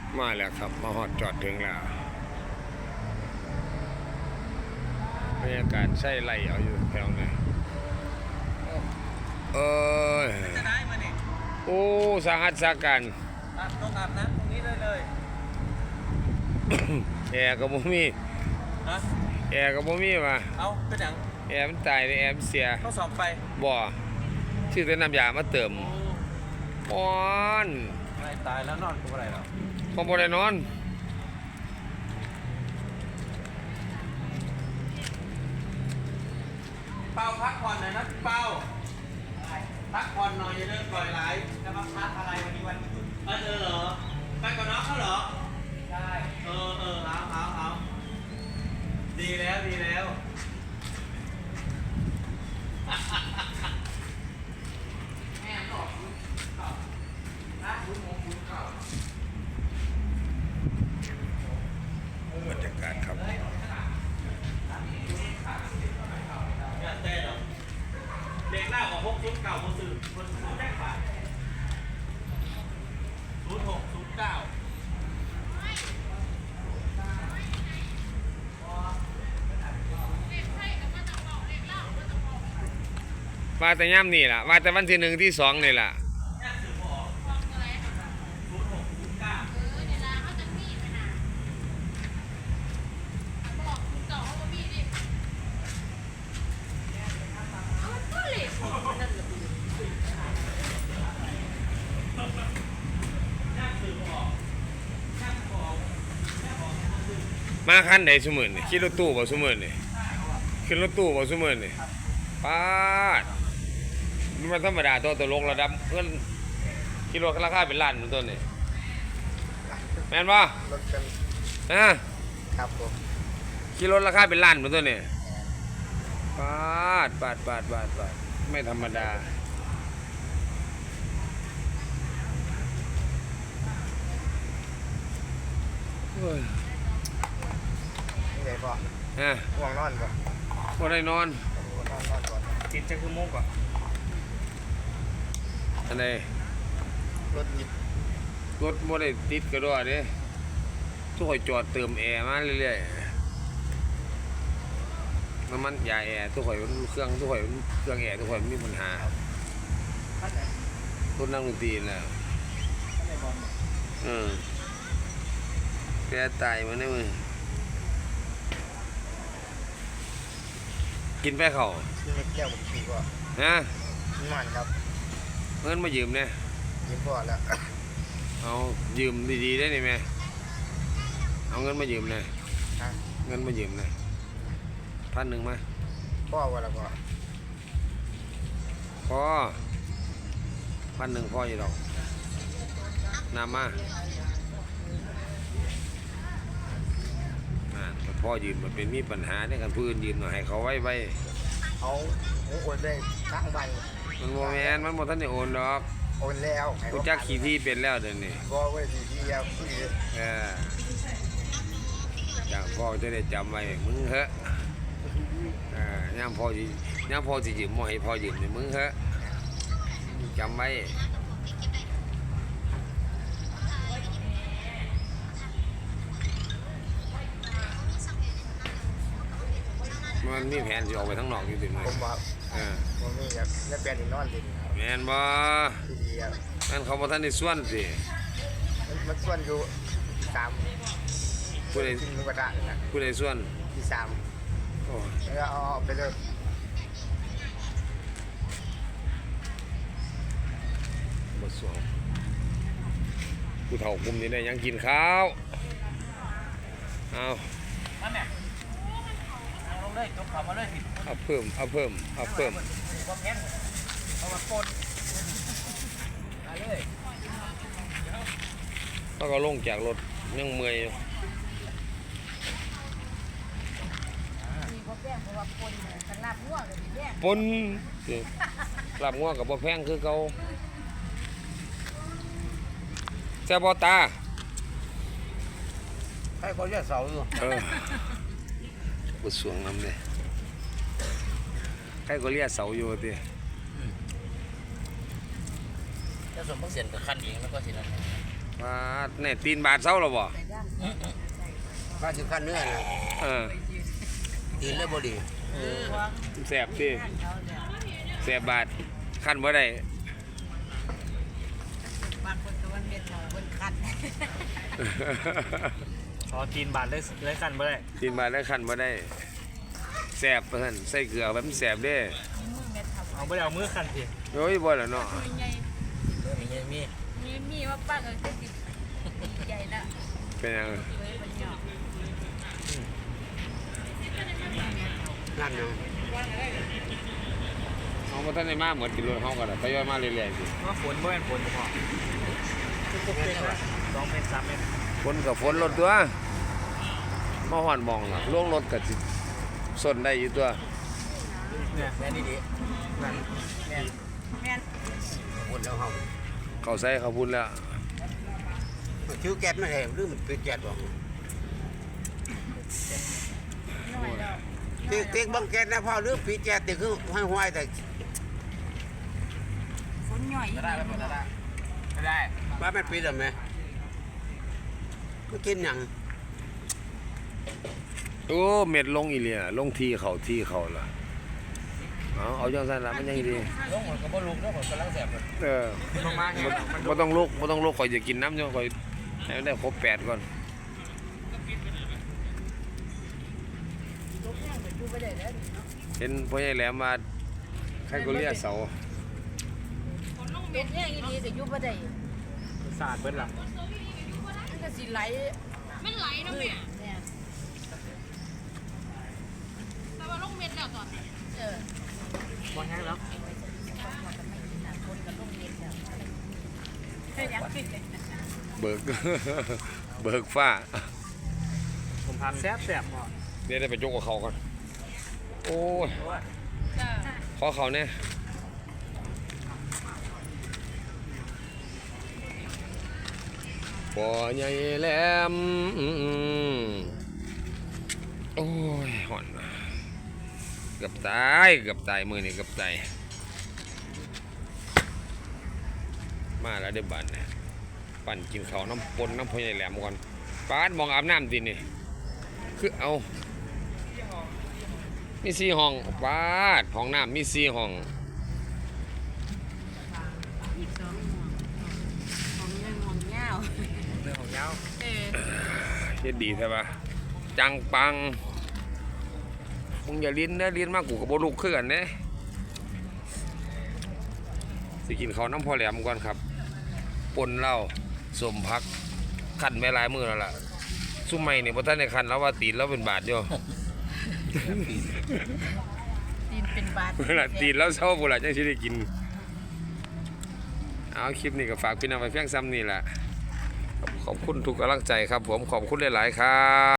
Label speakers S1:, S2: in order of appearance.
S1: มาแล้วครับมาฮอดจอดถึงแล้วบรรยากาศใช่ไหลเอาอยู่แถวไหน
S2: จะได้มาเนี่ย
S1: โอ้สาหัสสากัน
S2: ต้องอาบน้ำตรงนี้เลย
S1: แอร์ก็บ่มี
S2: ฮะ
S1: แอร์ก็บ่มีว่ะ
S2: เอาเป็นอย่าง
S1: แอร์มันตายเลยแอร์มันเสีย
S2: ต้องสอบไป
S1: บ่ชื่อแต่น้ำยามาเติมอ่อน
S2: ไม่ตายแล้วนอนกูอะไรหรอ
S1: คงบ่ได้นอน
S2: เป้าพักผ่อนหน่อยนะเป้าพักผ่อนหน่อยอย่าเลิกปล่อยไหลจะมาพักอะไรวันนี้วันหยุดเหรอไปกับน้องเขาเหรอใช่เอาดีแล้วแม่หลอกคุณเก่านะคุณมองคุณเก่า
S1: บรรยากาศครับ
S2: เด็กหน้าของพวกชุดเก่าคนสื่อคนแรกฝ่าย0609
S1: ว่าแต่ย่ำนี่ล่ะว่าแต่วันที่1ที่2นี่ล่ะมาคันไหนซุมื้อนี่ขี่รถตู้บ่ซุมื้อนี่ขึ้นรถตู้บ่ซุมื้อนี่ป๊าดมันธรรมดาตัวตลกระดับเงินขี่รถราคาเป็นล้านตัวนี่แม่นบ่
S3: รถกัน
S1: ฮะ
S3: ครับผม
S1: ขี่รถราคาเป็นล้านตัวนี่ป๊าดไม่ธรรมดาเฮ้ย
S3: นี่ไงพ่อ
S1: ฮะ
S3: ห่วงนอนป่ะ
S1: บ่ได้นอน
S3: นอนก่อน
S2: ติดจะคือโมงก่อน
S1: อันใด
S3: รถยิบ
S1: รถบ่ได้ติดกระโดดเด้ทุกคนจอดเติมแอร์มาเรื่อยๆน้ำมันยาแอร์ทุกคนเครื่องแอร์ทุกคนมีปัญหาต้นนั่งดนตรีแล้วแกตายมาเนี่ยมึงกินไปเขา
S3: ที่ไม่แก้วผมขี่ก่อน
S1: นะ
S3: มันครับ
S1: เงินมายืมเนี่ย
S3: ยืมพ่อแล้ว
S1: เอายืมดีๆได้ไหมเอาเงินมายืมเนี่ยเงินมายืมเนี่ย1,000มา
S3: พ่อว่าแล้ว
S1: พ่อ1,000พ่ออยู่ดอกน้ำมาพ่อยืมมันเป็นมีปัญหาในการพื้นยืมหน่อยให้เขาไว้
S3: เอาโอนได้ทั้งใบ
S1: มันโมแมนมันโมท่านได้โอนดอก
S3: โอนแล้ว
S1: กูจักขี่ที่เป็นแล้วเดี๋ยวนี้
S3: ก็ไว้ที่แล้ว
S1: อย่างพ่อจะได้จำไว้มึงเหอะย่างพ่อสิยืมมอให้พ่อยืมเนี่ยมึงเหอะจำไว้มันมีแผนจะออกไปทั้งนอกอยู่ติดไหม
S3: ผมว่าผมมีอยากได้แปลนอีกนอนดิน
S1: แมนบ่แมนเขาบอกท่านในส่วนสิ
S3: มันส่วนอยู่3
S1: ผู้ใด
S3: กินหมูกระทะนะ
S1: ผู้ใดส่วน
S3: ที่3แล้วเอาไปเลย
S1: บ่สวงผู้เฒ่าปุ่มนี้ได้ยังกินข้าวเอา
S2: นั่นแหละลงเลยจบข่าวมาเลยสิ
S1: เอาเพิ่ม
S2: ความแข็งเอามาปนมาเลย
S1: แล้วก็ลงจากรถยังเมื่อยอยู่ปนลาบงัวกับบ่แพงคือเก่าแซ่บบ่ตา
S2: ให้เขาแยกเสาอยู่
S1: บุษวงน้ำเลยใครก็เรียกเสาอยู่ดิ
S2: ถ้าส่วนพวกเสียนกับขั้นเองแล้วก็สินั่น
S1: ว่าเนี่ยตีนบาดเซาแล้วบ่
S3: ก็สิขั้นเนื้อนะ
S1: เออ
S3: กินแล้วบ่ดี
S1: แสบดิแสบบาดคันบ่ได้
S4: บางคนก็ว่าเม็ดหมอคนคัน
S2: อ๋อตีนบาดเลยกันบ่ได้
S1: ตีนบาดแล้วคันบ่ได้แสบเพิ่นใส่เกลือแบบมันแสบเด้
S2: เอาบ่ได้เอามือคันสิ
S1: โอ้ยบ่ล่ะเนาะ
S4: มีไง
S3: มี
S4: มีว่าป้าก็จะดีใจแล้ว
S1: เป็นหยัง
S4: เลยมันหยอก
S3: นั่นเนาะ
S1: เฮาบ่ทันได้มาเหมือนกินรถเฮาก็ได้ทยอยมาเรื่อยๆสิ
S2: ว่าฝนบ่แม่นฝนพอคือปกติว่า2เมตร3เมตร
S1: ฝนก็ฝนรถตัวมาฮ้อนหมองล่ะลงรถก็สิสนได้อยู่ตัว
S2: เนี่ย
S3: แม่นี่ดี
S2: นั่น
S4: แม่น
S3: คนแล้วเฮา
S1: เข้าใส่เข้าพุ่นแล้ว
S3: ชื่อแก๊สไม่ใช่หรือมันเป็นแก๊สบ่
S4: น้อยแล้ว
S3: ติ๊กบังแก๊สนะพ่อหรือปีแก๊สติ๊กคือห้อยๆแต่
S4: คนหน่อย
S3: ได้ว่ามันปีดมั้ยมันกินหยัง
S1: โอ้เม็ดลงอีเหลียลงที่เขาล่ะเอาจังซั่นล่ะมันยังดี
S3: ลงมันก็บ่ลุกแล้วมันกำลังแสบ
S1: เออ
S2: ลงมาเนี่ยมัน
S1: บ่ต้องลุกข่อยจะกินน้ำอยู่ข่อยให้มันได้ครบ8ก่อน
S4: ดูไปได้แล้ว
S1: เห็นพ่อใหญ่แหลมมาใครก็เรียกเสา
S4: เป็นแห้งอีดีแต่ยุบไปได้
S2: สาดเบิดล่ะ
S4: มันก็สิไหล
S5: มันไหลเนาะแม่
S4: เนี่ย
S5: แต่ว่าลงเม็ดแล้วตอนนี้
S2: บ่แห้งแล้ว
S1: เบิก เบิกฟ้า
S2: ผมทานแซ่บพอ
S1: เดี๋ยวได้ไปยกกับเขาก่อนโอ้ย
S5: จ้า
S1: ขอเขาเนี่ยพ่อใหญ่แหลมโอ้ยห่อนเกือบตายมือนี่เกือบตายมาแล้วเดี๋ยวบันเนี่ยปั่นกินข้าวน้ำปนน้ำพ่อใหญ่แหลมก่อนป้าดมองอาบน้ำดินี่คือเอามี4 ห้องป้าดห้องน้ำมี4 ห้อง
S4: อีก2ห่วงยังห่วงยาว
S2: เรื่องของยาว
S1: เฮ็ดดีใช่ปะจังปังมึงอย่าลิ้นนะลิ้นมากกูกับโบลูกคือกันเด้สิกินข้าวน้ำพอแหลมก่อนครับปนเหล้าสมพักขันไม่หลายมือแล้วล่ะซุ่มไม่เนี่ยพอท่านในขันแล้วว่าตีนแล้วเป็นบาทอยู่
S4: ตีนเป็นบาด
S1: เวลาตีนแล้วเศร้าบุหรี่จังสิได้กินเอาคลิปนี้ก็ฝากพี่น้องไปเพียงซ้ำนี่แหละขอบคุณทุกกำลังใจครับผมขอบคุณหลายๆครับ